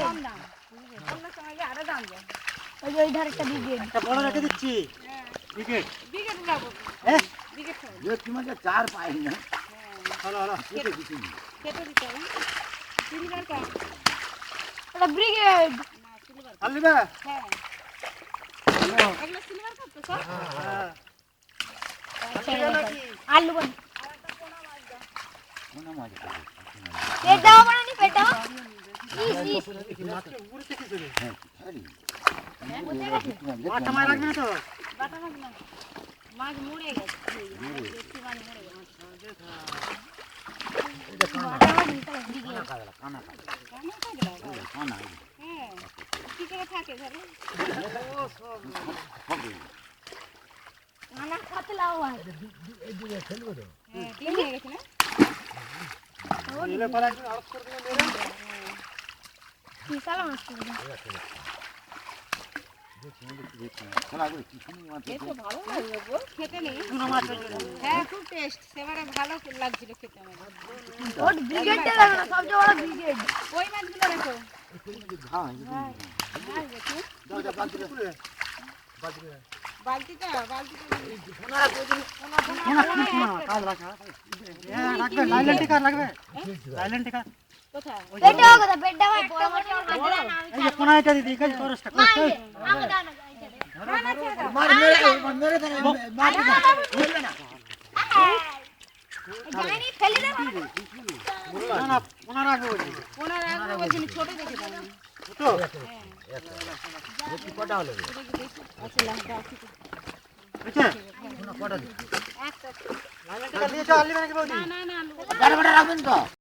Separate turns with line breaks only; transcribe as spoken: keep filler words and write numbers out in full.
কম দাম অন্য সময় আরো দাম যায় ওই যে ওই ধারে একটা ব্রিগেড
একটা বড় রেখে দিচ্ছি ব্রিগেড
ব্রিগেড লাগাবো
হ্যাঁ
ব্রিগেড খাবো
যে কি মানে চার পাই না
হলো হলো
কেটে দিছি
কেটে দিতে হবে সিলভার কা এটা ব্রিগেড না সিলভার
আলিবা
হ্যাঁ এগুলো সিলভার কাপ তো সব
হ্যাঁ
আলু বন
কোন মাছ
পেট দাও বানানি পেট দাও
উপরে থেকে চলে
হ্যাঁ খালি
মাথা মার লাগবে না তো
বাটা মাছ না মাছ মরে গেছে দেখি মাছ মরে গেছে বাটা মাছ নিতে ব্রিগেড
কানা কানা
কেন কাজলা
কানা
হ্যাঁ কি করে থাকে ধরে
ও সব
হবে
খানা খাতে লাও ভাই
এই দিকে খেলবো তো
হ্যাঁ দিন হয়ে গেছে না
এলে পরে একদিন আরো করে দিলে মেরে
কি সালা মাছ করবে
খেলা করে কি শুনি মাছ
এত ভালো লাগলো গো খেতে নেই
চুনা মাছ হয়েছে
হ্যাঁ খুব টেস্ট সেবারে ভালো লাগছিল খেতে আমার
ওট ব্রিগেডটা লাগা সবচেয়ে বড় ব্রিগেড
ওই মাছগুলো রেখো
হ্যাঁ
মাছ দেখো
দাও দাও বালতি
পুরে
বালতিটা বালতিটা
ওনারা কি শোনা কাজ রাখা হ্যাঁ রাখবে লাইলেন টিকা লাগবে লাইলেন টিকা
কোথায়
পেটটা কথা পেটটা ভাই বড় মাছ হাতে না আমি
এই যে কোনা এটা দিদি কাজ করছটা কষ্ট
আমাকে দাও না
না না ছেড়ে দাও
মার মেরে মেরে দেন মার মেরে না
জানি ফেলে দাও
না না কোনা রাখবে বলি
কোনা রাখবো বলছেন ছোট দেখে দাও
তো
দেখি কটা হলো
আচ্ছা লঙ্কা আছে
বুঝছে
কোনা কটা দিই
একটা
লাইলেন টিকা দিয়েছো আলি মানে কি বৌদি
না না না আলু
বড় বড় রাখবেন তো